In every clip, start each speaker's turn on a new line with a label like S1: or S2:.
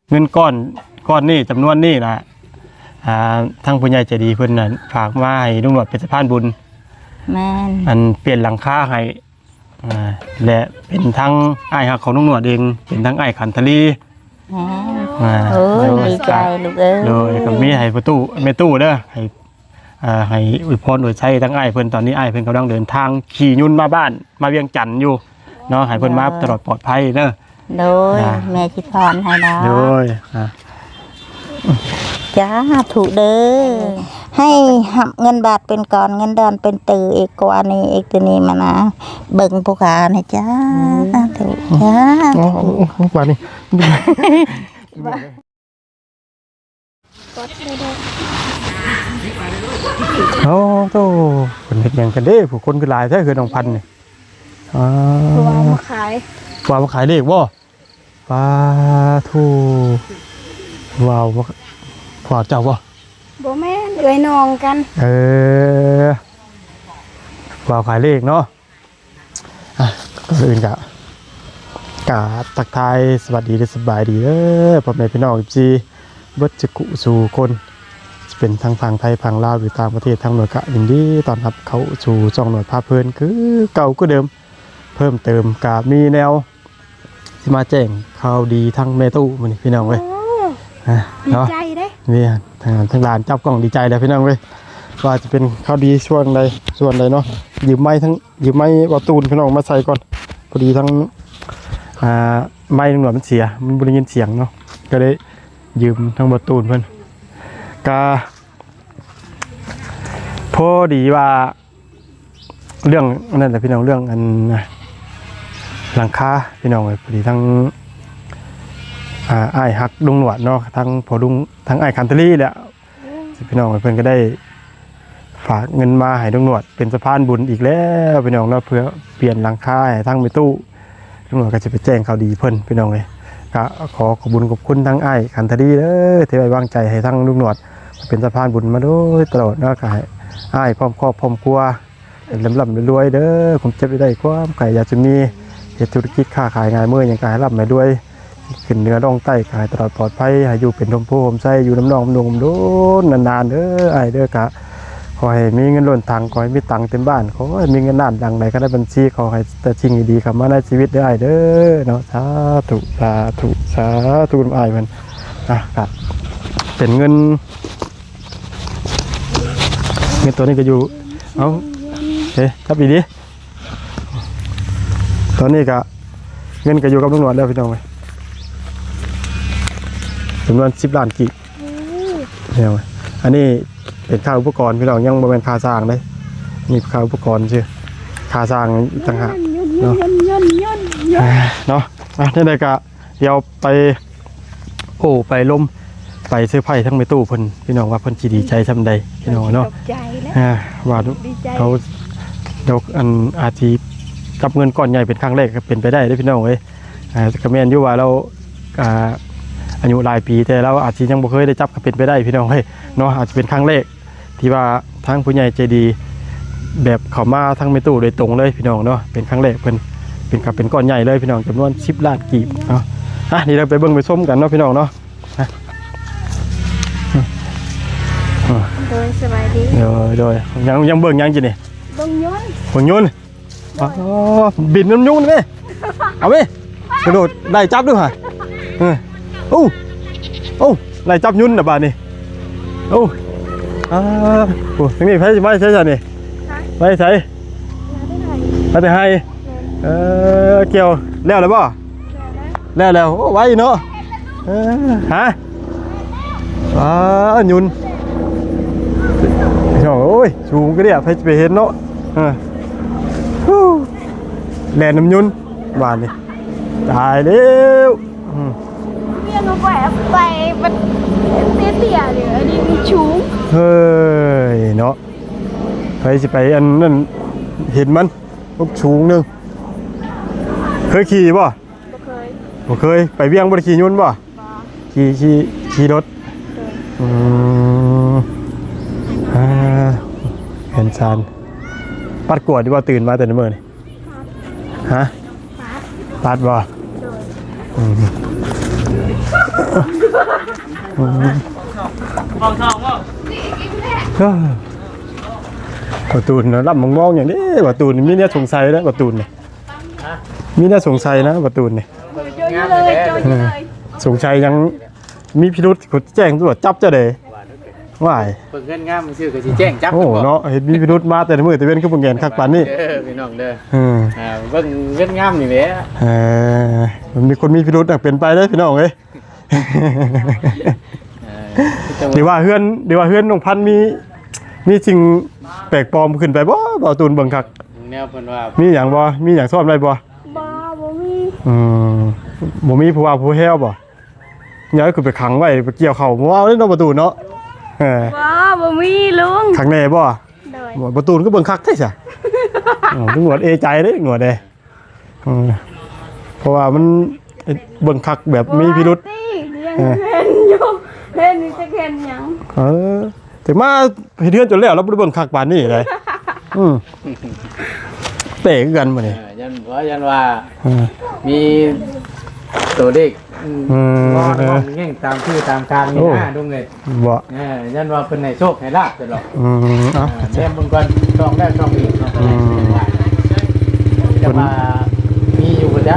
S1: เงินก้อนนี่จำนวนนี่นะทั้งผู้ใหญ่ใจดีเพิ่นน่ะฝากมาให้ลุงหนวดเป็นสะพานบุญ
S2: แม่น
S1: อันเปลี่ยนหลังคาให้และเป็นทั้งอ้ายฮักของลุงหนวดเองเป็นทั้งอ้ายขันทลี
S2: โอ้ยดีใจลูกเอ้ย
S1: โดยก็มีให้ประตูแม่ตู้เด้อให้อวยพรอวยชัยทั้งอ้ายเพิ่นตอนนี้อ้ายเพิ่นกำลังเดินทางขี่ยุ่นมาบ้านมาเวียงจันทน์อยู่เนาะให้เพิ่นมาตลอดปลอดภัยเด้อ
S2: โดยแม่ชิพรให้ดาว
S1: โดย
S2: จ้าถูกเด้อให้หับเงินบาทเป็นก่อนเงินดอนเป็นตือเอกกว่านี้เอกตัวนี้มานะเบิ่งผู้ขานะจ้าถูกจ้า
S1: ว่านี่โอ้โตคนเฮ็ดหยังกันเด้ผู้คนคือหลายแท้คือน้องพันธุ์นี่
S3: ตัวมาขาย
S1: ว่ามาขายเลขบ่ปลาทูว้าวขวาเจ้าบ่
S3: บ่แม่นเอ้ยน้องกัน
S1: ว้าวขายเลขเนาะก็อื่นกะทักทายสวัสดีและสบายดีเด้อพ่อแม่พี่น้อง14เบิดจักุสู่คนจะเป็นทางฝั่งไทยฝั่งลาวหรือต่างประเทศทางหน่วยกะยินดีต้อนรับเข้าสู่ช่องหน่วยภาพเพลินคือเก่าก็เดิมเพิ่มเติมกะมีแนวที่มาแจ้งข่าวดีทั้งแม่ตู้มื้อนี้พี่น้องเว้ย
S3: ดีใจเด้
S1: นี่ทางร้านจับกล้องดีใจแล้วพี่น้องเว้ยว่าจะเป็นข่าวดีส่วนใดเนาะยืมไม้วัตตูนพี่น้องมาใส่ก่อนพอดีทั้งไม้ตำรวจมันเสียมันบ่ได้ยินเสียงเนาะก็เลยยืมทั้งวัตตูนเพิ่นก็พอดีว่าเรื่องนั่นแหละพี่น้องเรื่องอันหลังคาพี่น้องเลยพอดีทั้งอ้ายฮักลุงหนวดเนาะทั้งพอลุงทั้งอ้ายคันทรีแหละพี่น้องเพิ่นก็ได้ฝากเงินมาให้ลุงหนวดเป็นสะพานบุญอีกแล้วพี่น้องเนาะเพื่อเปลี่ยนหลังคาให้ทั้งไม่ตู้ลุงหนวดก็จะไปแจ้งข่าวดีเพิ่นพี่น้องเลยก็ขอบคุญขอบคุณทั้งอ้ายคันทรีเด้อที่ไว้วางใจให้ทั้งลุงหนวดเป็นสะพานบุญมาโดยตลอดเนาะก็ให้อ้ายพร้อมครอบพร้อมครัวร่ำรวยเด้อผมเจ็บได้ความไก่อยากจะมีเหตุธุรกิจค้าขายงานเมื่ออย่างการร่ำมาด้วยขึ้นเนื้อร่องใต้ขายตลอดปลอดภัยให้อยู่เป็นลมโพลมไส้อยู่น้ำนองนุ่มโดนนานๆเด้อไอ้เด้อกะขอให้มีเงินล้นทางขอให้มีตังเต็มบ้านขอให้มีเงินล้านดังไหนก็ได้บัญชีขอให้แต่สิ่งดีๆเข้ามาในชีวิตได้เด้อเนาะสาธุไอ้มันครับเป็นเงินตัวนี้ก็อยู่เอาครับอีดีตอนนี้ก็เงินก็อยู่กับลุงหนวดแล้วพี่น้องเลยจำนวน10 ล้านกีบเนี่ยอันนี้เป็นค่าอุปกรณ์พี่น้องยังบ่แม่นค่าสร้างเลยนี่ค่าอุปกรณ์ชื่อค่าสร้างต่างหากเนาะนี่เลยก็เดี๋ยวไปล้มไปซื้อไผ่ทั้งในตู้เพิ่นพี่น้องว่าเพิ่นสิดีใจซำใดพี่น้องเนาะว่าเขาอันอาทิกับเงินก้อนใหญ่เป็นครั้งแรกก็เป็นไปได้พี่น้องเอ้ยก็แม่นอยู่ว่าเราอายุหลายปีแต่เราอาจจะยังบ่เคยได้จับก็เป็นไปได้พี่น้องเฮ้ยเนาะอาจจะเป็นครั้งแรกที่ว่าทั้งผู้ใหญ่ใจดีแบบเขามาทั้งในตู้โดยตรงเลยพี่น้องเนาะเป็นครั้งแรกเป็นก้อนใหญ่เลยพี่น้องจำนวน10 ล้านกีบเนาะนี่เราไปเบิ่งไปส้มกันเนาะพี่น้องเนาะ
S3: โดยสบายดี
S1: โดยยังเบิ่งยังจีนี่
S3: เบิ่ง
S1: ยนต์บินน้ำยุ่นไหมเอาไหมกระโดดไล่จับด้วยฮะโอ้ไล่จับยุ่นนะบ้านนี่โอ้ทั้งนี้ไม่ใช่นี่ไม่ใช่ไม่ได้ให้เกี่ยวแล้วเลยป่ะแล้วไว้เนาะฮะยุ่นโอ้ยสูงก็เนี่ยไปเห็นเนาะแลนน้ำยุ่นหวานนี่ตายแล้ว
S3: เนี่ยหนูแบบไปมันเตี้ยๆเลยอันนี้มีชูง
S1: เฮ้ยเนาะไปสิไปอันนั้นเห็นมันลูกชูงนึงเคยขี่ป่ะบ่เคยไปเวียงบ่ได้ขี่ยุ่นป่ะขี่รถเห็นชานปัดกวดดีว่าตื่นมาแต่ในเมื่อนี่ปัดบ่ประตูนะรับมองอย่างนี้ประตูนี่มีเนี่ยสงสัยนะประตูนี่มีเนี่ยสงสัยนะประตูนี่
S3: โจยเลยโจยเลย
S1: สงสัยยังมีพิรุษเขาแจ้งตำรวจจับจะเด้ว่าย
S4: เปิดเงินงามมันชื่อก็สิแจ้งจับ
S1: โอ้เนาะเห็นมีพิรุษมาแต่มื้อแต่เว้นคือบ่แงนคักปานนี้
S4: พี่น้องเด้อ
S1: เ
S4: เบิ่งเงินงามนี่แหละ
S1: มันมีคนมีพิรุษเป็นไปได้พี่น้องเอ้ยเดี๋ยวว่าเฮือนน้องพันธุ์มีสิ่งแปลกปลอมขึ้นไปบ่บ่ตูนเบิ่งคัก
S4: แนวเพิ่นว่า
S1: มีหยังบ่มีหยังซ่อนไว้บ่
S3: บ้าบ่มี
S1: บ่มีผู้ว่าผู้แฮวบ่ย้ายคือไปขังไว้ไปเกี่ยวเข้าบ่เอาเด้เนาะประตูเนาะ
S3: บ้าบ่มีลุง
S1: ขังแน่บ่
S3: โดย
S1: บ่ประตูก็เบิ่งคักแท้ซะถึงหนวดเอใจเด้หนวดเด้เพราะว่ามันเบิ่งคักแบบมีพิรุษ
S3: ยังเห็นอยู่เห็นนี่จะเห็นหยัง
S1: ถึงมาเฮ็ดเฮือนจนแล้วเราบ่ได้เบิ่งคักปานนี้เลยเตะกันบ่นี่
S4: ยันว่ามีตัวเด็กงอนแง่งตามชื่อตามการนี่นะดุงเลย
S1: บ่
S4: ยันว่าเพิ่นให้โชคให้ลาบตลอด
S1: เอ้า
S4: แม่มึงก่อนช่องแรกช่องอีกจะมามีอยู่บ่จ๊ะ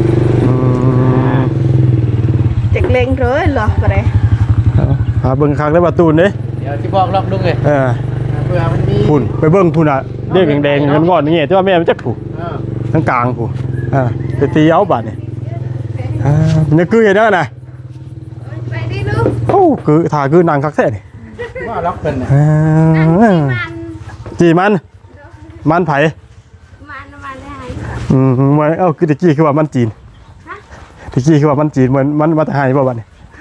S3: จักเล็งเลยเหรอบ่ได้
S1: หาเบิ่งคักได้ประตูนี่
S4: เดี๋ยวสิบอกลอกดุงเลยเพื่อมันมี
S1: พุ่นไปเบิ่งพุ่นน่ะเด็กแดงๆเงินก้อนนี่แต่ว่าแม่มันจักผู้ทั้งกลางผู้ไปตีเอาบาดนี่นี่คือเฮ็ดได้น่ะ
S3: ไปดิลูก
S1: โอ้คือถ้าคือนางคักแท้นี่
S4: ว่าล็อกเพิ่นน่ะ
S1: จีมันไผ
S3: มันได้
S1: มันเอ้าคือตะกี้คือว่ามันจีนตะกี้คือว่ามันจีนเหมือนมันมาแต่หายบ่บัดนี่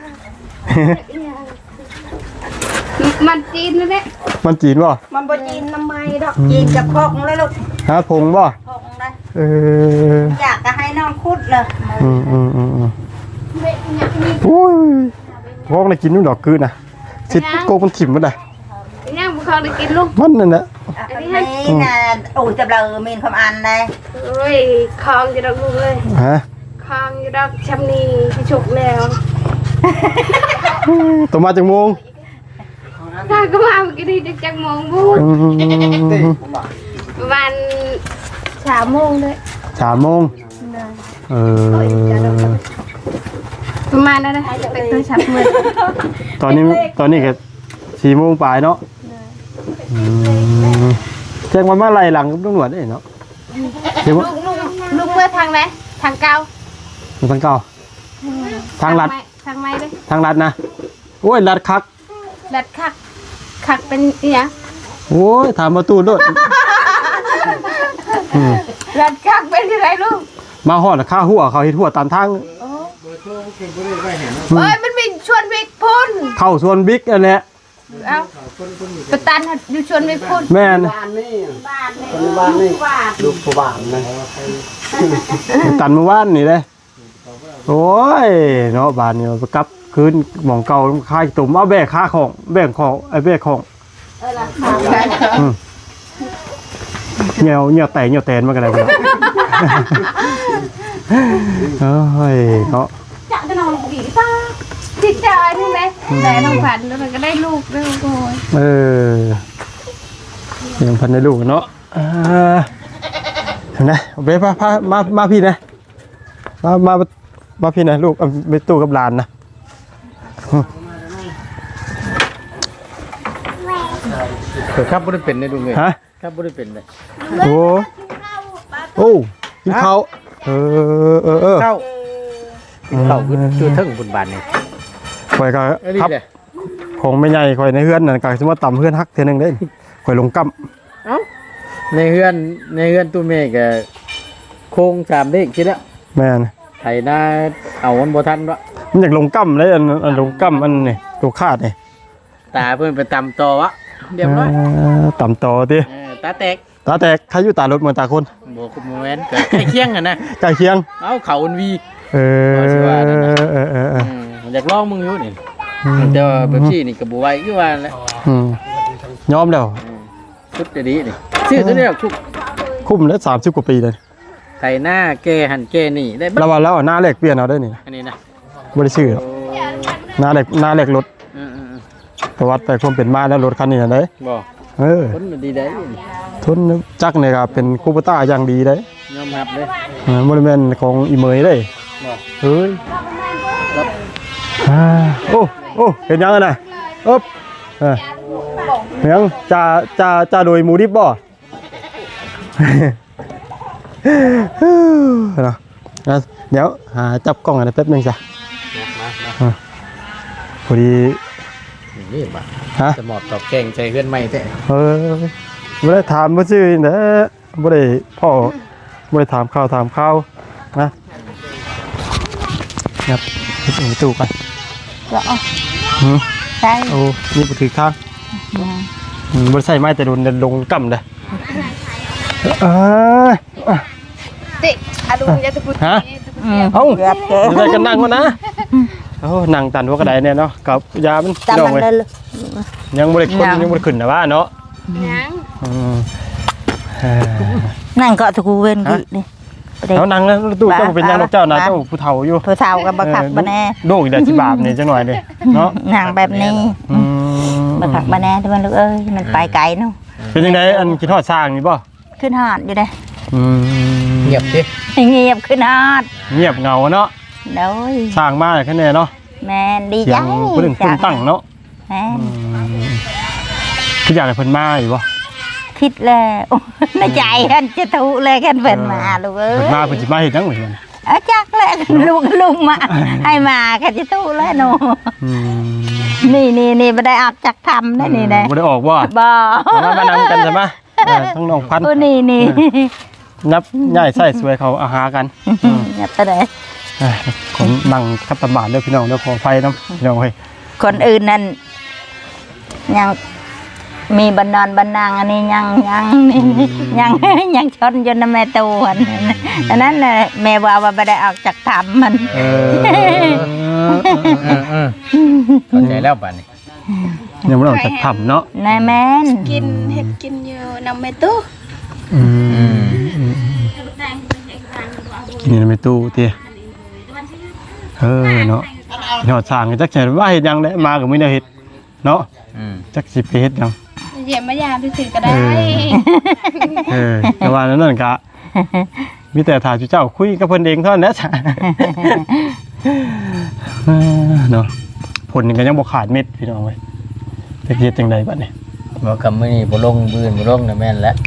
S3: มันจีนนั่นแหละ
S1: มันจีนบ่
S2: มันบ่จีนน้ำไม้ดอกจีนกับพกเลยลูก
S1: หาพงบ่
S2: พกได้
S1: เออ
S2: อยากจะให้น้องคุดเลย
S3: เบ็ดหยังมี
S1: โอ้ยพอกได้กินนู่นดอกคือน่ะสิโกมันถิ่มบ่ได้
S3: ยังบ่เข้าได้กินลูก
S1: มันนั่นแหละ
S2: นี่นะโอ้จะเบลอมีนความอันเลย
S3: เอ้ยคองอยู่ดอกลูกเอ้ย
S1: ฮะ
S3: คองอยู่ดอกชำนีที่ฉุกแล้ว
S1: ตัวมาจากโมง
S3: ถ้าก็มาเมื่อกี้นี่จักโมงบูดประมาณ3 โมงเลย
S1: 3 โมง
S3: ประมาณนั้นนะไปตัวฉับมือ
S1: ตอนนี้ก็4 โมงปลายเนาะแจ้งมาไล่หลังตำรวจได้เนาะเดี๋ยว
S3: ลูกเมื่อทางไหนทางเก่า
S1: ทางเก่าทางลัด
S3: ทางไม้เลย
S1: ทางลัดนะโอ้ยลัดคัก
S3: ดัดคักเป็นอีหยัง
S1: โอ้ยถามประตูด้วย
S3: ดัดคักเป็นที่ไรลูก
S1: มาหอดข้าหัวเขาเฮ็ดหัวตามทาง
S3: เอ้ยมันมีชวนวิกพุ่น
S1: เข้าส่วนบิ๊กนั่นแหละ
S3: เอาประตันอยู่ชวนวิกพุ่น
S1: แม่น
S4: ลูกผู้บ้านนะ
S1: ตันเมื่อวานนี่เลยโอ้ยเนาะบ้านนี่ไปกลับคืนหมองเก่าค่ายตุ่มเอาแบกค่าของแบกของไอ้แบกของเหี่ยวแตนมากันเลยเนาะเฮ้ยเนาะ
S3: จะจะนอนกี่ตาจิตใจนี่ไหมแต่น้องผันแล้วมันก็ได้ลูกด้วยโอ้ย
S1: ยังพันในลูกเนาะเห็นไหมเบ๊พามาพี่นะมาพี่นะลูกไปตู้กับหลานนะ
S4: ครับบ่ได้เป็นได้ดุงเลย
S1: ฮะ
S4: ครับบ่ได้เป็นเลย
S1: โอ้กินข้าว
S4: เข้าคือเทิงบุญบานนี่
S1: ข่อยก็ครับของไม่ใหญ่ข่อยในเฮือนนั่นก็สมมติต่ำเฮือนฮักเท่านึงได้ข่อยลงกั้ม
S4: เอ้าในเฮือนตู้เมฆก็โค้ง3เลขคิดแล้ว
S1: แม่น
S4: ไถนาเอามันบ่ทันวะ
S1: มันอยากลงกั้มเลยอันลงกั้มอันนี่ตัวคาดนี่
S4: ตาเพิ่นไปตำต่อวะเรียบร้อย
S1: ต่ำต่อติ
S4: ตาแตก
S1: ตาแตกใครอยู่ตารถเหมือนตาคน
S4: บ่คุมแม่นก็ใกล้เคียงกันนะ
S1: ใกล้เคียง
S4: เอ้าเขาอันวี อยากลองมึงอยู่นี่แต่ว่าแบบซี่นี่ก็บ่ไหวคือว่าแหละ
S1: ยอมแล้ว
S4: ชุดดีนี่ชื่อตัวนี้ชุด
S1: คุ้มแล้ว30 กว่าปีเลย
S4: ไถนาแก่หันแก่นี่ได้
S1: ระวังแล้วหน้าแรกเปลี่ยนเอาได้นี่
S4: อันนี้นะ
S1: บ่ได้ชื่อหรอก
S4: โ
S1: หน้าเหล็กรถประวัติไปความเป็นมาแล้วรถคันนี้น่ะเด้
S4: บ่ คนมันดีได้
S1: ทุนจักรเนี่ยครับเป็นคูปต้าอย่างดีเด้
S4: ยอมรับเลย
S1: โมเดลแมนของอีเมยเด้
S4: บ่
S1: เฮ้ยโอ้เห็นยังไงนะอ๊บเห็นยังจะโดยหมูดิบบ่เนาะเดี๋ยวหาจับกล้องอะไรแป๊บนึงจ้ะพอดี
S4: นี่บ่
S1: ฮะ
S4: จะหมอบตอบแกงใจเพื่อนใหม่แท้
S1: ไม่ได้ถามมาชื่อเด้อไม่ได้พ่อไม่ได้ถามข้าวนะครับไปตู้กัน
S2: ก็ใช่
S1: โอ้นี่บุตรข้างบริษัทไม้แต่โดนลงกำเลย
S3: ติอาดุจะตะพุด
S1: ฮะเอ้า
S2: เกือบเกิน
S1: จะได้กันนั่งก่อนนะโอ้นั่งตันหัวกระไดเนี่ยเนาะกับยามัน
S2: จำ
S1: ดอ
S2: มั
S1: ง
S2: น
S1: เลย
S2: เลย
S1: ยังบริคนยังบริขึ้นนะว่าเนาะ
S3: ยัง
S2: นั่งเกาะตะกูเวนกี่นี่
S1: แล้วนั่งแล้วตู้เจ้าเป็นยังเจ้านะเจ้าผู้เฒ่าอยู่
S2: ผู้เฒ่ากับบักขักบันแน่
S1: โดกอีกเดือน10 บาทเนี่ยจังหน่อยเลยเนาะ
S2: นั่งแบบนี้บักขักบันแน่ที่มันลูกเอ้ยมันไปไกลเนาะ
S1: เป็นยังไงอันคิดทอดสร้างนี่ป่ะ
S2: ขึ้นหอดอยู่เลย
S4: เงียบดิ
S2: เงียบขึ้นหอด
S1: เงียบเงาเนาะ
S2: โดย
S1: สร้างมาแค่นี้เนาะ
S2: แม่ดี
S1: เสี
S2: ใจ
S1: ยงผู้หนึ่งคนตั้งเนาะ
S2: แม่
S1: คืออยากให้เพิ่นมาอยู่ป่ะ
S2: คิดแล้วในใจกันจะทุเลยกันเป็นมาลูกเอ้
S1: เพิ่น
S2: ย
S1: มาเพิ่นสิมาเฮ็ดจังเหมือนกัน
S2: จักเลยลุงมาให้มากันจะทุแล้วหนูนี่ไม่ได้ออกจากทำนะนี่นะ
S1: บ่ได้ออกบ่
S2: บ่
S1: มานำกันใช่ไหมทั้งน้องพันธุ์
S2: นี่
S1: นับย่ายใส่สวยเขาอาหารกัน
S2: อย่าไปเลย
S1: ผมนั่งคัตตาบานเด้อพี่น้องเด้อขอไฟน้ำพี่น้องเฮ้ย
S2: คนอื่นนั่นยังมีบันนอนบันนางอันนี้ยังยังชนจนแม่ตัวอันนั้นน่ะแม่ว่าไม่ได้ออกจากทำมัน
S4: เข้าใจแล้วป่านนี้
S1: ยังไม่ออกจากถ้ำเนาะ
S2: นายแม่น
S3: กินเห็ดกินอยู่นำเมตุ
S1: กินในตู้เตี้ยเนาะยอดสร้างจักเห็นว่าเฮ็ดยังได้มาก็ไม่ได้เฮ็ดเนาะจักสิไปเฮ็ดยัง
S3: เยี่ยมมายามที่สื่อก็ได้
S1: แต่ว่านั่นกะมีแต่ถ่ายเจ้าคุยกับเพิ่นเองเท่านั้นนะจ้ะเนาะผลก็ยังบ่ขาดเม็ดพี่น้องเว้ยจะเฮ็ดจังไดบัดนี้
S4: บ่กำมื้อนี้บ่ลงบื้นบ่ลงน่ะแม่นแล้ว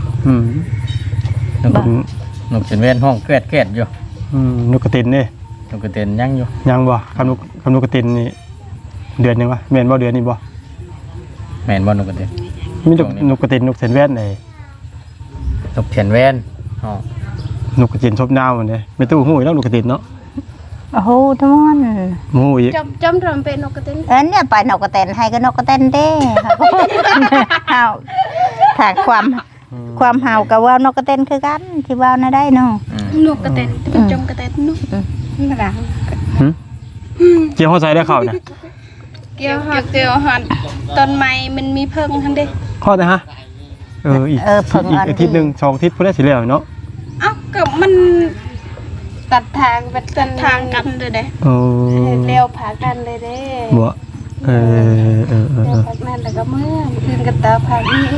S4: นกจนเว้นห้องแกรดอยู่
S1: นกกระตินนี่
S4: นกกระเต็นยังอยู่
S1: ยังบ่คำนกกระตินนี่เดือนนึงวะแม่นบ่เดือนนี้บ่
S4: แม่นบ่นกกระเต็น
S1: มีนกกระตินนกแสนแว่นไอ้
S4: นกเทียนแว่นอ๋อน
S1: กกระตินชอบดาวนี่ไม่ตู้ฮู้แล้วนกกระตินเนาะ
S2: โอ้โหทุกคน
S1: ฮู้อีก
S3: จำรำเป็นนกกระเต็น
S2: เนี่ยไปนกกระเตนให้ก็นกกระเตนเด้เฮาถ้าความเฮากับว่านกกระเตนคือกันที่ว่าวน่ะได้เนาะ
S3: นกกระเต็นเป็นจมกระเต็นนกหลัง
S1: เกี่ยวเข้าใจได้เข้านะ
S3: เกี่ยวหันต้นไม้มันมีเพิ่งทั้งเด้
S1: เข้าได้ฮะอีกอาทิตย์นึง2อาทิตย์พุ่นได้สิแล้วเนาะ
S3: เอ้าก็มันตัดทางเป็นตัดทางกันเลยเด้เร็วผากันเลยเด้
S1: บ่
S3: เร็วผานั่นแล้วก็เมื่อคืนกันตาผานี้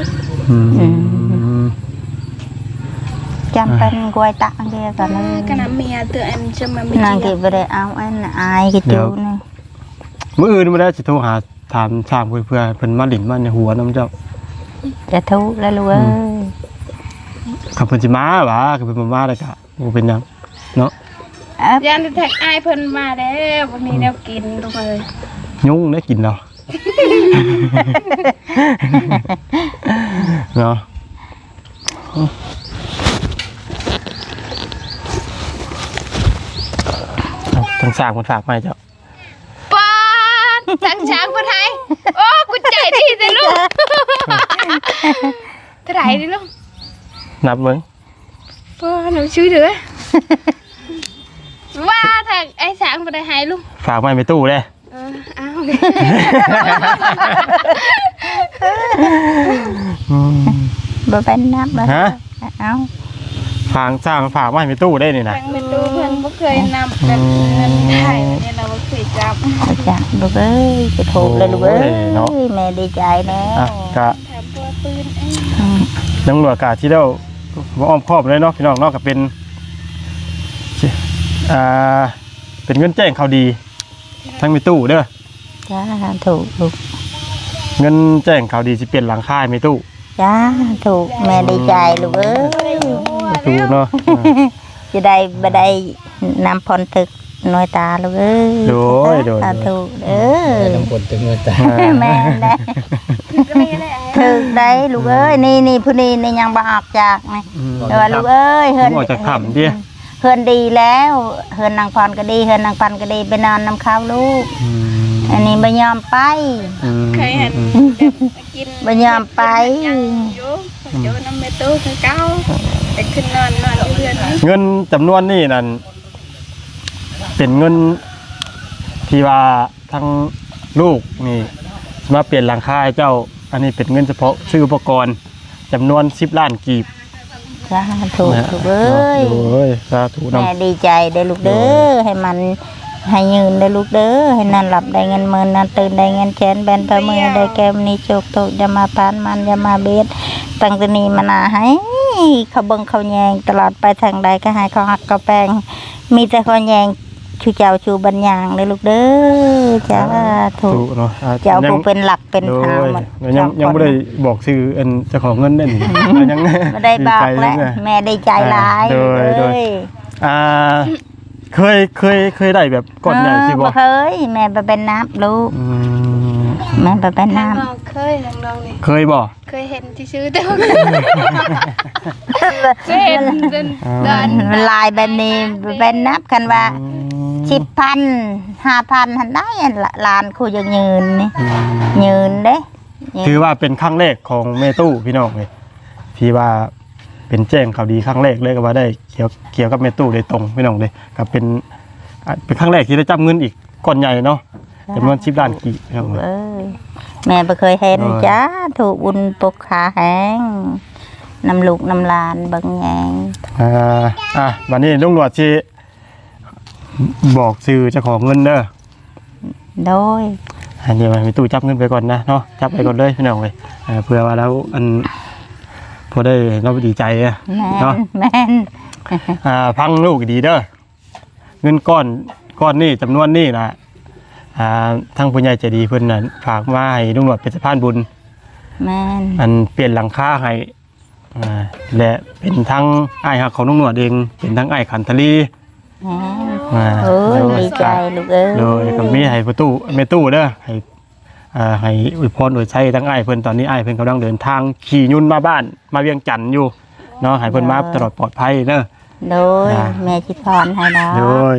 S2: จำเป็นกล้วยตักเดียวกันเลย
S3: ก็น้ำเมียตัวอันจะมามี
S2: นางก็บ่ได้เอาอันอายก็จูนี่
S1: มื้ออื่นบ่ได้สิโทรหาถามถามเพื่อเพิ่นมาหลินมาในหัวน้ำเจ้า
S2: จะทุกข์แล้วลูกเอ้ย
S1: ขับเพิ่นสิมาหวะขับเพิ่นบ่มาได้ก็บ่เป็นหยังเนาะ
S3: ยันแท็กอายเพิ่นมาแล้ววันนี้แนวกินทุกคนเลย
S1: ยุงได้กินเนาะเนาะทั้งสร้างมันฝากมาให้เจ้า
S3: ป้านจังช้างคนไทยโอ้กูใจดีเลยลูกเท่าไหร่ดิลูก
S1: นับมึง
S3: ป้าหนูชื่อเด้อว่าทางไอ้ช้างคนไทยลูก
S1: ฝากมาในตู้เลย
S3: อ้าว
S2: บ่เป็นนับบ่
S1: ฮะ
S2: เอา
S1: ฝากสร้างฝากมาในตู้ได้นี่นะ
S3: ทางเป็นตู้เพิ่นบ่เคยนำแบบเงินไทยเนี่ยเราบ่เคยจับ
S2: จ้ะลูกเอ้ยจะถูกเลยลูกเอ้ยแม่ดีใจแล้ว
S1: อ่ะกะ
S3: แถมตัวปืนเอง
S1: น้องหนวดกะที่เราบ่อ้อมครอบเลยเนาะพี่น้องเนาะก็เป็นเป็นเงินแจ้งข่าวดีทั้งมีตู้เด้อ
S2: จ้าถูกลูก
S1: เงินแจ้งข่าวดีสิเปลี่ยนหลังคามีตู้
S2: จ้าถูกแม่ดีใจลูกเอ้ย
S1: ตู้เนาะ
S2: จะได้บ่ได้นำพรตึกหน่วยตาลูกเอ้ย
S1: โดย
S2: ถูกเออ
S4: น้ำกดถึงเงินตา
S2: แม่ได้
S3: ก็ไม่ได้
S2: ถูกได้ลูกเอ้ยนี่ผู้นี้นี่ยังบ่ออกจากนี่แต่ว่าลูกเอ้ย
S1: เฮือนออกจากถ้ำดิ
S2: เฮือนดีแล้วเฮือนนางพรก็ดีเฮือนนางพันก็ดีไปนอนน้ำข้าวลูกอันนี้บ่ยอมไป
S3: เคยเห็นกิน
S2: บ่ยอมไป
S3: ยังอยู่อยู่น้ำเมตู้คือเก้าแต่ขึ้นนอนอยู่เรือนนี้
S1: เงินจำนวนนี่นั่นเป็นเงินที่ว่าทั้งลูกนี่มาเปลี่ยนหลังคาให้เจ้า อันนี้เป็นเงินเฉพาะซื้ออุปกรณ์จำนวน10 ล้านกีบ
S2: จ้าถูกลูกเอ้ย
S1: โอ้ยสาธุนำ
S2: แม่ดีใจได้ลูกเด้อให้มันให้ยืนได้ลูกเด้อให้นอนหลับได้เงินหมื่นนอนตื่นได้เงินแสนแบนพระมือได้แก้มนี้โจกโตอย่ามาพานมันอย่ามาเบ็ดตั้งแต่นี้มานาให้เขาเบิ่งเขาแยงตลอดไปทางใดก็ให้เขาหักเขาแปลงมีแต่เขาแยงชูเจ้าชูบัญญังเลยลูกเด้อจ้าถูก
S1: เนาะ
S2: เจ้าผู้เป็นหลักเป็น
S1: โด
S2: ทาง
S1: ย
S2: หมด
S1: ยังไม่ได้บอกชื่ออันเจ้าของเงินได้นี่ยัง
S2: ไม่ได้บอกแล้วแม่ได้ใจร้าย
S1: โดย
S2: เลย
S1: เคยได้แบบก่อนใหญ่สิบ่
S2: เคยแม่ไปเป็นน้ำลูก
S1: อืม
S2: แม่ไปเป็นน้
S3: น้องเคยน้องนี่
S1: เคยบ่
S3: เคยเห็นที่ซื้อแต่ว่าเคยเห็นจนเดิน
S2: ำมันลายแบบนี้เป็นนับกันว่า10,000 5,000หันได้ลานคู่ยังยืนนี่ยืนเด้
S1: ถือว่าเป็นครั้งแรกของเมตู้พี่น้องเลยที่ว่าเป็นแจ้งข่าวดีครั้งแรกเลยก็ว่าได้เกี่ยวกับเมตู้โดยตรงพี่น้องเลยก็เป็นครั้งแรกที่ได้จับเงินอีกก้อนใหญ่เนาะจำนวน10 ล้านกีบพี่น้องเลย
S2: เอ้ยแม่ไปเคยเห็นจ้าถูกบุญปกขาแห้งน้ำลูกน้ำลานบางแยง
S1: วันนี้ลุงหนวดที่บอกชื่อเจ้าของเงินเด้อ
S2: โดย
S1: อันนี้มันมีตู้จับเงินไปก่อนนะเนาะจับไปก่อนเลยพี่น้องเลยเพื่อว่าแล้วอันพอได้เราดีใจอะ
S2: แม่
S1: เนาะ
S2: นแม่น
S1: พังลูกดีเด้อเงินก้อนนี่จำนวนนี่นะทั้งผู้ใหญ่ใจดีเพิ่นน่ะฝากมาให้ลุงหนวดเป็นสะพานบุญ
S2: แม่น
S1: อันเปลี่ยนหลังคาให้และเป็นทั้งไอ้ายหักของลุงหนวดเองเป็นทั้งไอ้ายขันทลี
S2: แม่นโอ้ยดีใจลูกเอ้ย
S1: โดยก็มีให้ประตูเมตู้เด้อให้อวยพรอวยชัยทั้งอ้ายเพิ่นตอนนี้อ้ายเพิ่นกำลังเดินทางขี่ยุ่นมาบ้านมาเวียงจันทน์อยู่เนาะให้เพิ่นมาตลอดปลอดภัยเด้อ
S2: โดยแม่ชิพรให้ดา
S1: โดย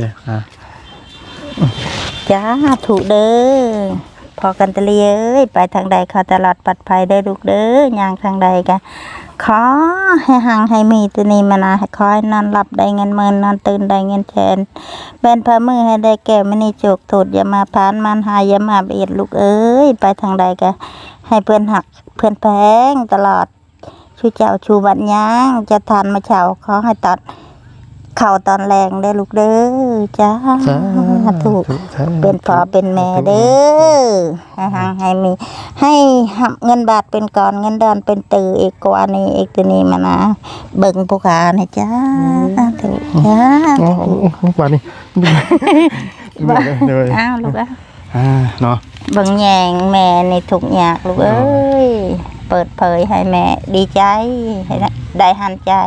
S2: จ้าถูกเด้อพอกันตะเลียเอ้ยไปทางใดเขาตลอดปลอดภัยได้อลูกเด้อย่างทางใดกันขอให้หังให้มีตัวนี้มานะให้คอยนอนหลับได้เงินหมื่นนอนตื่นได้เงินแสนเป็นพระมือให้ได้แก่มณีโจกโทษอย่ามาพานมันหายอย่ามาเบียดลูกเอ้ยไปทางใดกันให้เพื่อนหักเพื่อนแพงตลอดชูเจ้าชูบัดย่างจะทานมาเช้าขอให้ตัดเข่าตอนแรงได้ลูกเด้อจ้าถูกเป็นพ่อเป็นแม่เด้อให้หังให้มีให้หับเงินบาทเป็นก่อนเงินดอนเป็นตือเอกกว่านี้เอกตัวนี้มานะเบิ่งผู้ขานะจ้าถูกจ้า
S1: ป่านนี้เลย
S2: อ้าวลูกอ่ะ
S1: เนาะ
S2: เบิ่งแยงแม่ในทุกอยากลูกเอ้ยเปิดเผยให้แม่ดีใจให้ได้หันใจ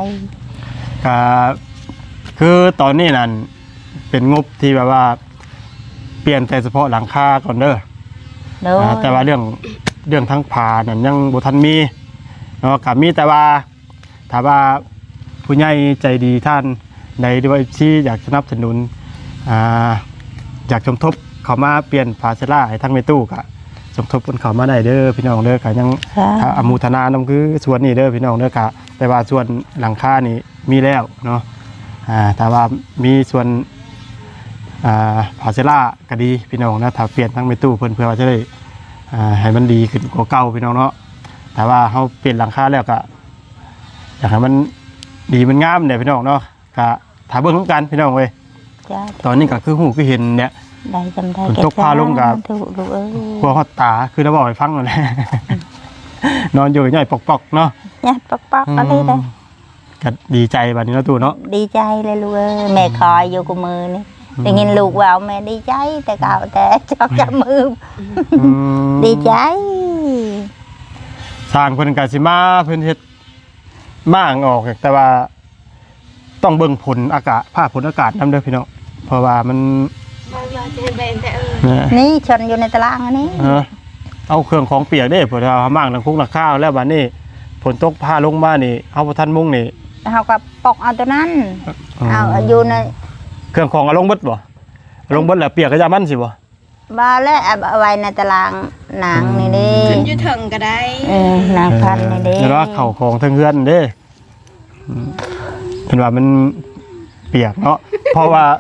S1: คือตอนนี้นั่นเป็นงบที่แบบว่าเปลี่ยนแต่เฉพาะหลังคาก่อนเด้อ
S2: โดย
S1: แต่ว่าเรื่องทั้งผานั่นยังบ่ทันมีเนาะกับมีแต่ว่าถ้าว่าผู้ใหญ่ใจดีท่านใดด้วยที่อยากสนับสนุนอยากสมทบเข้ามาเปลี่ยนฝาเชล่าให้ทั้งในตู้ก็สมทบกันเข้ามาได้เด้อพี่น้องเด้อก็ยังอนุโมทนานำคือส่วนนี้เด้อพี่น้องเด้อก็แต่ว่าส่วนหลังคานี่มีแล้วเนาะแต่ว่ามีส่วนฝาเชล่าก็ดีพี่น้องนะถ้าเปลี่ยนทั้งในตู้เพื่อว่าจะได้ให้มันดีขึ้นกว่าเก่าพี่น้องเนาะแต่ว่าเขาเปลี่ยนหลังคาแล้วก็อยากให้มันดีมันงามเนี่ยพี่น้องเนาะก็ถ้าเบิ่งของกันพี่น้องเว้ย
S2: จ้า
S1: ตอนนี้ก็คือหูคือเห็นเนี่ย
S2: ได้จำได้
S1: ฝนตกพาลงกับ
S2: ถูกลูกเอ้ย
S1: กลัวฮอดตาคือเราบอกให้ฟังนั่นแหละ นอนอยู่ย่อยปอกๆเนาะ
S2: ญาติปอกๆอะไรได้
S1: ก็ดีใจบัดนี้เนาะตู่เนาะ
S2: ดีใจเลยลูกเอ้ยแม่คอยอยู่กับมือนี่ได้ยินลูกว่าแม่ดีใจแต่เก่าแต่ชอบจับมือ
S1: อืม
S2: ดีใจ
S1: สร้างเพิ่นก็สิมาเพิ่นเฮ็ดม่างออกแต่ว่า ต้องเบิ่งผลอากาศภาพผลอากาศนำเด้อพี่น้องเพราะว่ามัน
S3: บางเราจะเห็นเป็นแต่
S1: เนี่ย
S2: นี่ชนอยู่ในตารางอันนี้
S1: เอาเครื่องของเปียกเด้เพิ่นเอาม่างทั้งคุกทั้งข้าวแล้วบัดนี้ฝนตกพาลงมานี่เฮาบ่ทันมุ่งนี่
S2: เขาก็ปอกเอาตัวนั้นเอาอยู่ใน
S1: เครื่องของเอาลงเบิดบ่เอาลงเบิดแล้วเปียกก็จะมันสิบ่
S2: บาแล้วเอาไว้ในตารางหนังนี่เด้
S3: ขึ้นอยู่ถึงก็ได้
S2: นางพันนี่เด้
S1: แล้วว่าเข้าของทั้งเฮือนเด้เพิ่นว่ามันเปียกเนาะเพราะว่า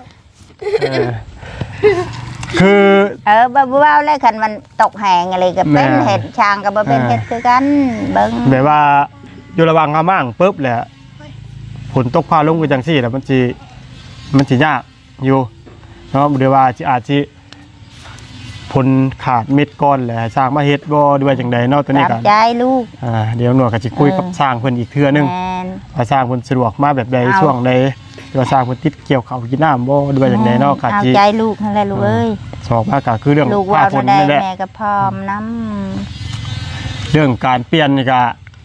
S1: คือ
S2: บ่าวแล้วคันมันตกแหงอะไรก็เป็น
S1: แม่
S2: เห็ดช้างก็บ่เป็นเห็ดคือกันเบิ่ง
S1: แบบว่าอยู่ระหว่างอาม่างปุ๊บแหละฝนตกพาลงไปจังซี่แล้วมันสิยากอยู่เนาะเดี๋ยวว่าอาจสิผลขาดเม็ดก้อนแหละสร้างมาเฮ็ดบ่ด้วยจังใดเนาะตัวนี้
S2: ตา
S1: ก็
S2: มใจลูก
S1: เดี๋ยวหน่วยก็สิคุยกับสร้างเพิ่นอีกเทื่อนึง
S2: แม่น
S1: ว่าสร้างเพิ่นสะดวกมาแบบใดช่วงใดหรือว่าสร้างเพิ่นติดเกี่ยวข้าวกินน้ำบ่ด้วยจังใดเนาะก็
S2: เอา
S1: สิ
S2: ใจลูกนั่นแหละลูกเอ้ย
S1: สอบมาก็คือเรื่อง
S2: ลูก
S1: ฟ้า
S2: ว่า
S1: ฝน
S2: ได้
S1: นี่แหละ
S2: แม่ก็พร้อมน้
S1: เรื่องการเปลี่ยนนี่ก็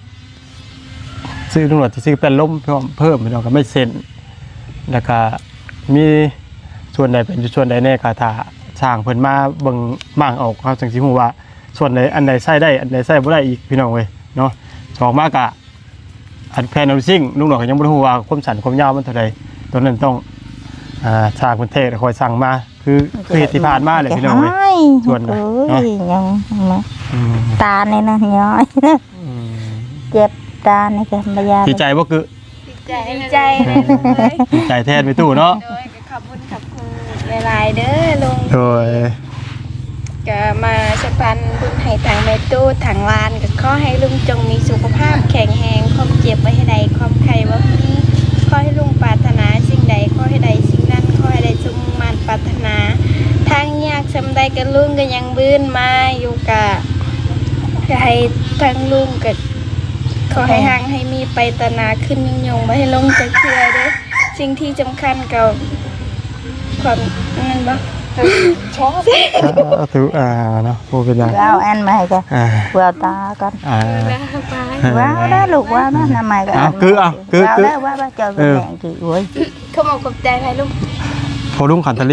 S1: ซื้อตำรวจที่ซื้อเป็นล้มเพิ่มพี่น้องก็ไม่เซ็นแล้วก็มีส่วนใดเป็นส่วนใดแน่ก็ถ้าสร้างเพิ่นมาเบิ่งบ้างออกเขาจังสิฮู้ว่าส่วนใดอันใดใช้ได้อันใดใช้บ่ได้อีกพี่น้องเว้ยเนาะสองมากะอันแพนเอาซิ่งลุงหนอกก็ยังบ่รู้ว่าความสั้นความยาวมันเท่าใดตัวนั้นต้องสร้างเพิ่นเทศคอยสั่งมาคือเหตุที่ผ่านมาเลย
S2: ำ
S1: พี่น้องเว้ย ส่วนไหน
S2: เอ้ยยังมา
S1: อืม
S2: ตาเนี่ยนะย้อยเจ็บตาเนี่ยก็บ่ยา
S1: ดีใจบ่คือ
S3: ดีใจเลย
S1: ดีใจแทนไปตู้เนาะ
S3: โดยก็ขอบคุณหลายๆเด้อลุง
S1: โดย
S3: ก็มาสะพันบุญให้ทางแม่ตู้ทางลานก็ขอให้ลุงจงมีสุขภาพแข็งแรงความเจ็บไว้ให้ใดความไข้บ่มีขอให้ลุงปรารถนาสิ่งใดขอให้ใดสิ่งนั้นขอให้ได้สมมันปรารถนาทางยากซำใดก็ลุงก็ยังบื้นมาอยู่กะให้ทางลุงก็ขอให้ห่างให้มีไปตนาขึ้นยิ่งยงบ่ให้ลงจะเชื่อเด้อสิ่งที่สำคัญก็ความนั่นบ่ชอบ
S1: ถือเนาะพูดเป็นไร
S2: เอาแอนมาให้ก็
S1: อ่า
S2: เวาตาก่อน
S1: อ่า
S2: ว้าวได้ลูกว้าวนะน้ำใหม่ก็
S1: เอาคือเอาคือ
S2: ว้าว
S1: คือ
S2: ได้ว้าวเจอแม่กี่โอ้ย
S3: เขาบอกขอบใจให้ลุง
S1: พอลุงขันทลี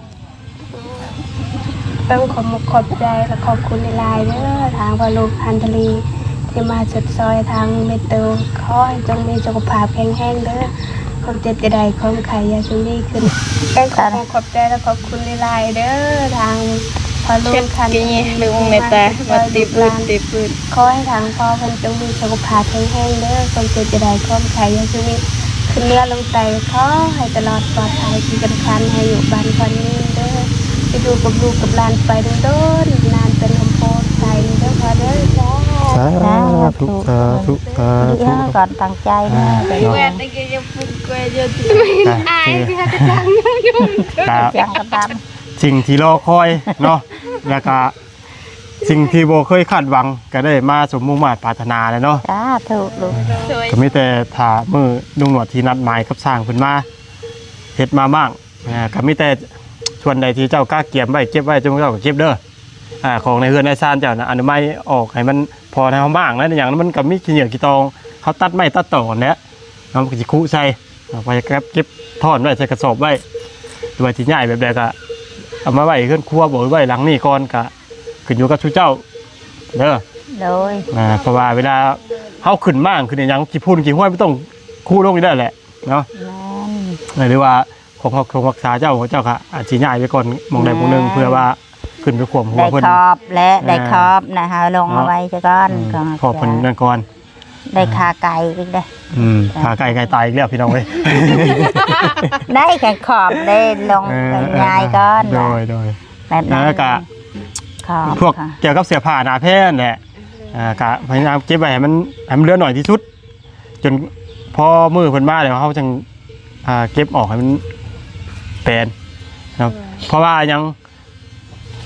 S3: ต้องขอบใจและขอบคุณในไลน์เด้อทางพอลุงพันธลีที่มาสุดซอยทางเมตูขอให้จงมีสุขภาพแข็งแรงเด้อความเจ็บจะได้ความไข่ยาชุนีขึ้นขอบใจและขอบคุณในไลน์เด้อทางพอลุงพันธลีลุงเมตามาติปืนขอให้ทางพ่อเพิ่นจงมีสุขภาพแข็งแรงเด้อความเจ็บจะได้ความไข่ยาชุนีขึ้นเนื้อลงไตขอให้ตลอดปลอดภัยที่สำคัญให้อยู่บ้านคนนี้เด้อไปดูกับลูกกับหลานไปโดนนานเป็นลมโพดใจเด้อพอเด้อจ้า
S1: สาธุสาธุสา
S2: ดี
S1: ธุ
S2: ก่อนตั้งใจนะไป
S3: แหวนตะเกียบปุ่นกวยเยอะที่อายที่เขาจะจังอยู่
S1: ครับ
S2: ยังกระตาม
S1: สิ่งที่รอคอยเนาะแล้วก็สิ่งที่โบเคยคาดหวังก็ได้มาสมมุ่งมาตรปรารถนาแล้วเนาะ
S2: จ้าถูกลูก
S3: สวย
S1: ก็มีแต่ถ้ามือลุงหนวดที่นัดหมายกับสร้างเพิ่นมาเฮ็ดมาบ้างก็มีแต่ส่วนใดที่เจ้ากล้าเก็บไว้เก็บไว้เจ้าก็เก็บเด้อของในเฮือนในซานเจ้านะอนุมัยออกให้มันพอในห้องบ้างแล้วอย่างนั้นมันก็มีขี้เหนียวขี้ตองเขาตัดไม้ตัดต่อเนี่ยน้ำก็สิคุใส่เอาไปเก็บทอดไว้ใส่กระสอบไว้ตัวที่ใหญ่แบบใดก็เอามาไว้ขึ้นครัวบ่ไว้หลังนี่ก่อนก็ขึ้นอยู่กับชูเจ้าเด้อ
S2: โดย
S1: เพราะว่าเวลาเฮาขึ้นมากขึ้นอย่างกี่พูนกี่ห้วยไม่ต้องคู่ลงนี่ได้แหละเนาะ
S2: แม่น
S1: หรือว่าของรักษาเจ้าของเจ้าค่ะอาจสิย้ายไปก่อนหมองใดหมองหนึงเพื่อว่าขึ้นไปข่มหัว
S2: ได้
S1: เพิ่น
S2: ครอบและได้ครอบนะคะลงเอาไว้จะก้อนก็
S1: ขอบเพิ่นนั่นก่อน
S2: ได้คาไก่อีกได้
S1: ขาไก่ตายอีกแล้วพี่น้องเว้ย
S2: ได้แค่ขอบได้ลงเป็นยายก้อน
S1: โด
S2: นะ
S1: ยโดย
S2: แบบนั้น
S1: แล้วก็
S2: ขอบ
S1: พวก
S2: ค่ะ
S1: เกี่ยวกับเสื้อผ้าหน้าแพร่แหละก็พยายามเก็บไว้ให้มันเหลือหน่อยที่สุด จนพอมือเพิ่นมาแล้วเฮาจังเก็บออกให้มันแปลนครับเพราะว่ายัง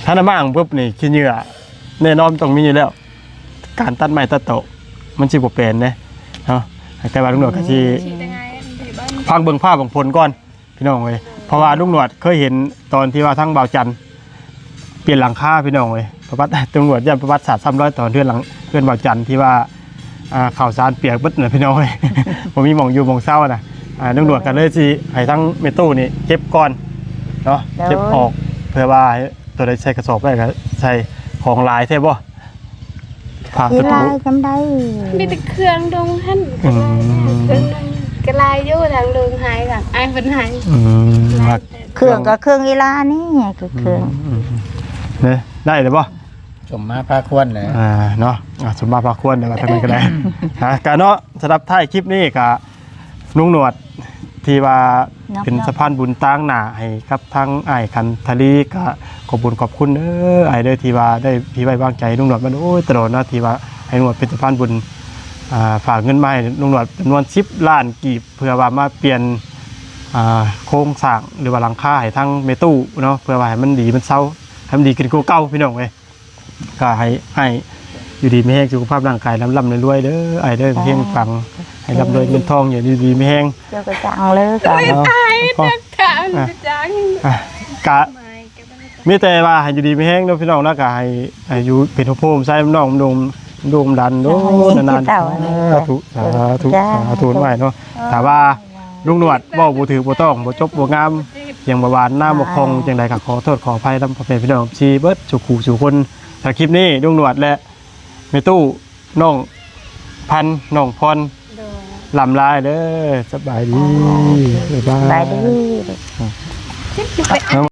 S1: ถ้าน้ำมั่งปุ๊บนี่ขี้เหงื่อแน่นอนต้องมีอยู่แล้ว การตัดไม้ตัดโตะมันสิบ่เป็นเด้เนาะแต่ว่าลุงหนวดก็สิพังเบิ่งภาพของผลก่อนพี่น้องเว้ยเพราะว่าลุงหนวดเคยเห็นตอนที่ว่าทั้งเบาจันทร์เปลี่ยนหลังคาพี่น้องเว้ยประวัติตำรวจย่านประวัติศาสตร์300ตอนเพื่อนเบาจันทร์ที่ว่าข่าวสารเปียกเบิดน่ะพี่น้องเว้ย ผมมีหม่องอยู่หม่องเศร้าน่ะลุงหนวดก็เลยสิให้ทั้งเมตู้นี่เก็บก่อนเนาะเก็บออกเพื่อว่าตัวใดใส่กระสอบได้ก็ใส่ของลายใช่บ่ผ้า
S2: ที่
S1: ตะ
S2: ลา
S1: ปู
S2: ยจำได้
S3: มีแต่เครื่องดงหั่นเครื่องดงกระลายอยู่ทางดงหายค่ะไอ้เป็นหาย
S1: มัก
S2: เครื่องก็เครื่องอีลานี่คือเครื่อง
S1: เนี่ยได้เลยบ่
S4: ชมมาพาควรเลย
S1: เนาะสมมาพาควรเดี๋ยวมาทางนี้ก็ได้ กะเนาะสำหรับท้ายคลิปนี้กะลุงหนวดที่ว่าเป็นสะพานบุญตั้งหน้าให้กับทั้งอ้ายคันทลีก็ขอบคุญขอบคุณอ้ายเด้อที่ว่าได้พี่ไว้วางใจลุงหนวดมันโอ้ยตลอดนะที่ว่าให้ลุงหนวดเป็นสะพานบุญฝากเงินมาให้ลุงหนวดจำนวน10 ล้านกีบเพื่อว่ามาเปลี่ยนโครงสร้างหรือว่าหลังคาให้ทั้งเมตู้เนาะเพื่อว่าให้มันดีมันเซาให้มันดีขึ้นกว่าเก่าพี่น้องเว้ยก็ให้อยู่ดีไม่แห้งสุขภาพร่างกายร่ำรวยเด้อไอ้เด้อเพียงฟังให้ร่ำรวยเงินทองอย่างดีไม่แห้ง
S2: เจ้าก็จังเลยก็
S3: ตายนักทางจัง
S1: กะมีแต่ว่าให้อยู่ดีไม่แห้งเนาะพี่น้องนะกะให้อยู่เป็นโพมใส่น้องโดมดันโดนานๆสาธุไว้เนาะแต่ว่าลุงหนวดบ่บ่ถือบ่ต้องบ่จบบ่งามอย่างบ่หวานหน้าบ่คงจังไดก็ขอโทษขออภัยนำพ่อแม่พี่น้องชีเบิดสุขูสู่คนถ้าคลิปนี้ลุงหนวดและแม่ตู้น้องพันน้องพรลำลายเด้อสบายดีบ๊ายบาย
S2: ไปดี
S1: เนาะ